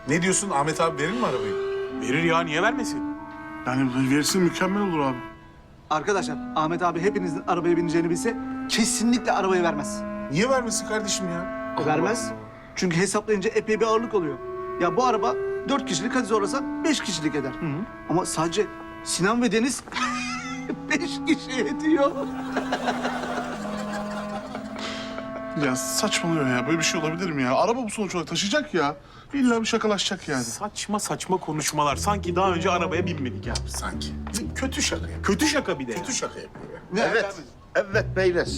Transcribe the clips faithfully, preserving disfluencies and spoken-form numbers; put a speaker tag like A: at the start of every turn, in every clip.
A: Ne diyorsun? Ahmet abi verir mi arabayı?
B: Verir ya, niye vermesin?
C: Yani verirsin mükemmel olur abi.
D: Arkadaşlar Ahmet abi hepinizin arabaya bineceğini bilse kesinlikle arabayı vermez.
A: Niye vermesin kardeşim ya?
D: Vermez. Çünkü hesaplayınca epey bir ağırlık oluyor. Ya bu araba dört kişilik, hadi zorlasan beş kişilik eder. Ama sadece Sinan ve Deniz beş kişi ediyor.
C: Ya saçmalıyor ya. Böyle bir şey olabilir mi ya? Araba bu sonuç olarak taşıyacak ya. İlla bir şakalaşacak yani.
B: Saçma saçma konuşmalar. Sanki daha önce arabaya binmedik ya.
A: Sanki. Kötü şaka yapıyor.
B: Kötü şaka bir de.
A: Kötü şaka yapıyor ya.
D: Ne
E: Evet, evet beyler.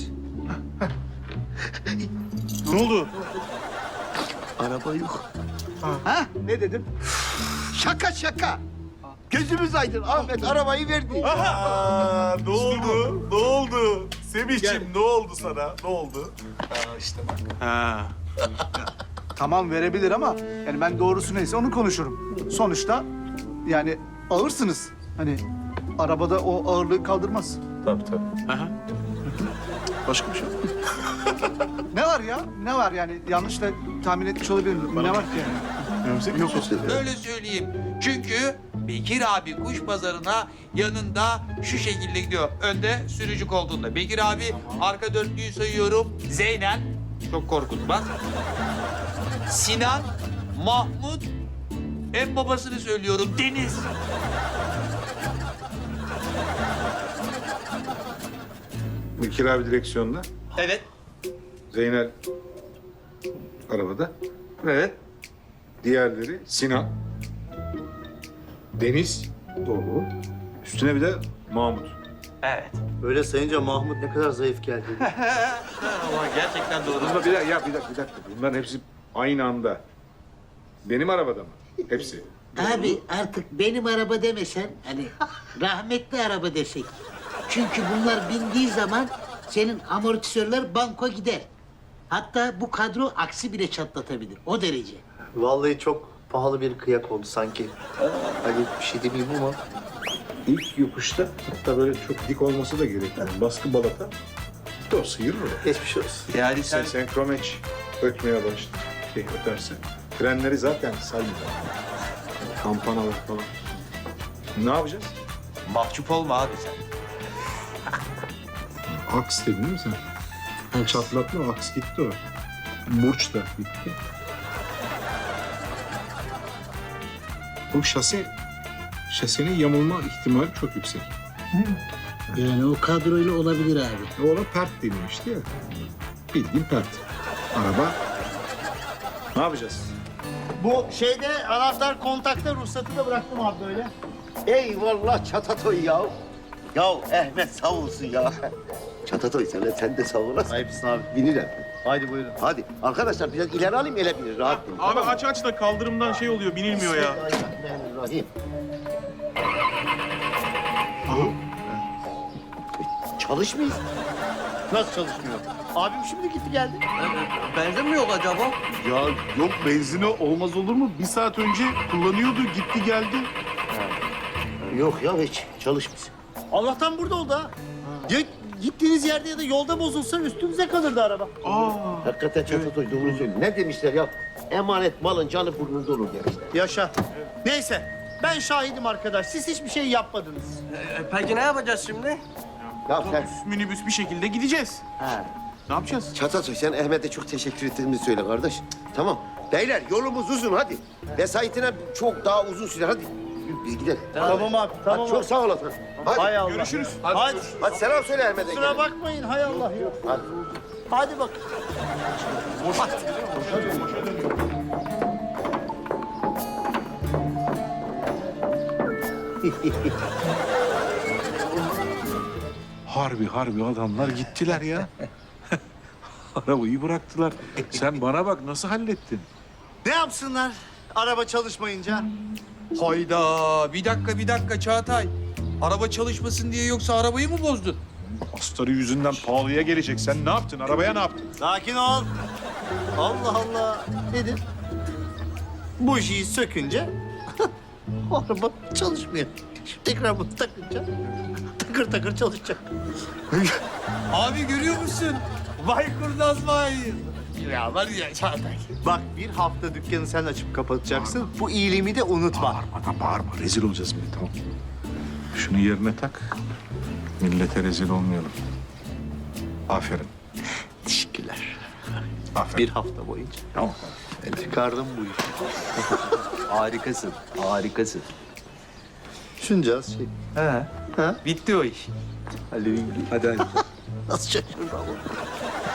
B: Ne oldu?
E: Araba yok.
D: Ha? Ne dedim?
E: Şaka şaka. Gözümüz aydın. Ahmet arabayı verdi.
A: Aa, ne oldu? Ne oldu? Semihciğim ne oldu sana? Ne oldu? Aa, işte bak.
B: Ha.
D: Tamam verebilir ama yani ben doğrusu neyse onu konuşurum. Sonuçta yani ağırsınız. Hani arabada o ağırlığı kaldırmaz.
A: Tabii tabii.
B: Aha.
C: Başka bir şey yok.
D: Ne var ya? Ne var yani? Yanlış da tahmin etmiş olabilirim. Ne var ki yani?
C: Önümüzdeki
D: Yok.
F: Öyle söyleyeyim. Çünkü Bekir abi kuş pazarına yanında şu şekilde gidiyor. Önde sürücü koltuğunda. Bekir abi arka dörtlüyü sayıyorum. Zeynep, çok korkutmaz. Sinan, Mahmut, en babasını söylüyorum Deniz.
G: Bekir abi direksiyonda,
F: Evet.
G: Zeynel arabada. Evet. Diğerleri Sinan, Deniz, doğru. Üstüne bir de Mahmut.
F: Evet.
E: Böyle sayınca Mahmut ne kadar zayıf geldi.
F: Ama gerçekten doğru.
G: Bunlar bir dakika, ya bir dakika, bir dakika. Bunların hepsi aynı anda. Benim arabada mı? Hepsi.
H: Abi artık benim araba demesen hani rahmetli araba desek. Çünkü bunlar bindiği zaman senin amortisörler banko gider. Hatta bu kadro aksi bile çatlatabilir. O derece.
E: Vallahi çok pahalı bir kıyak oldu sanki. Hani bir şey demeyeyim ama.
G: İlk yokuşta hatta böyle çok dik olması da gerekmiyor. Baskı balata. O sıyırır o.
E: Geçmiş olsun.
F: Yani
G: Sen
F: sen...
G: senkromeç ötmeye başladı. Şey öterse. Frenleri zaten saymıyor. Kampanalar falan. Ne yapacağız?
F: Mahcup olma abi sen.
G: Aks dedin değil mi sen? Çatlatma, aks gitti o. Burç da gitti. Bu şase, şasenin yamulma ihtimali çok yüksek.
H: Yani o kadroyla olabilir abi.
G: O ona pert denilmişti ya. Bildiğin pert. Araba. Ne yapacağız?
E: Bu şeyde anahtar kontakta ruhsatı da bıraktım abi böyle. Eyvallah Çatatoy ya. Ya Ahmet sağ olsun ya. Çatatoy sen de, sen de sağ olasın. Ayıpsın abi. Binirim. Haydi buyurun. Hadi. Arkadaşlar biraz ileri alayım ele binir. Rahat binin.
B: Abi aç aç da kaldırımdan şey oluyor, binilmiyor ya.
E: Bismillahirrahmanirrahim. Çalışmıyor. Nasıl çalışmıyor? Abim şimdi gitti geldi.
F: Benzin mi yok acaba?
C: Ya yok benzine olmaz olur mu? Bir saat önce kullanıyordu, gitti geldi.
E: Yok ya hiç çalışmıyor. Allah'tan burada oldu ha. Ya gittiğiniz yerde ya da yolda bozulsa üstümüze kalırdı araba.
B: Aa.
E: Hakikaten Çatatoy doğru söylüyor. Ne demişler ya? Emanet malın canı burnunda olur demişler. Yaşa. Neyse ben şahidim arkadaş. Siz hiçbir şey yapmadınız.
I: Peki ne yapacağız şimdi?
E: Ya sen...
B: Otobüs, minibüs bir şekilde gideceğiz.
E: Ha.
B: Ne yapacağız?
E: Çatatoy sen Ahmet'e çok teşekkür ettiğimi söyle kardeş. Tamam. Beyler yolumuz uzun hadi. Vesayetine çok daha uzun süre hadi. Biz gidelim.
I: Tamam abi, tamam
E: Hadi, çok sağ olasın. Hadi.
I: Hay Allah.
B: Görüşürüz.
E: Hadi. Hadi selam söyle Ahmet'e.
I: Kusura bakmayın, hay Allah ya.
E: Hadi.
I: Hadi bak.
J: Harbi harbi adamlar gittiler ya. Arabayı bıraktılar. Sen bana bak nasıl hallettin?
I: Ne yapsınlar araba çalışmayınca?
F: Hayda, bir dakika bir dakika Çağatay. Araba çalışmasın diye yoksa arabayı mı bozdun?
J: Astarı yüzünden pahalıya gelecek. Sen ne yaptın? Arabaya ne yaptın?
I: Sakin ol. Allah Allah. Nedir? Bujiyi sökünce araba çalışmıyor. Şimdi tekrar bunu takınca takır takır çalışacak.
F: Abi görüyor musun? Vay kurnaz vay. ya. Var ya Çağatay.
I: Bak bir hafta dükkanı sen açıp kapatacaksın. Bu iyiliğimi de unutma.
J: Bağırma da bağırma. Rezil olacağız bir de, tamam. Şunu yerine tak. Millete rezil olmayalım. Aferin.
I: Teşekkürler.
J: Aferin.
I: Bir hafta boyunca.
J: Tamam.
I: Ben çıkardım bu işi. harikasın, harikasın. Şunca şey.
F: He.
I: Ha?
F: Bitti o iş.
I: Halledin.
J: Hadi hadi.
I: Nasıl şaşırdı ama.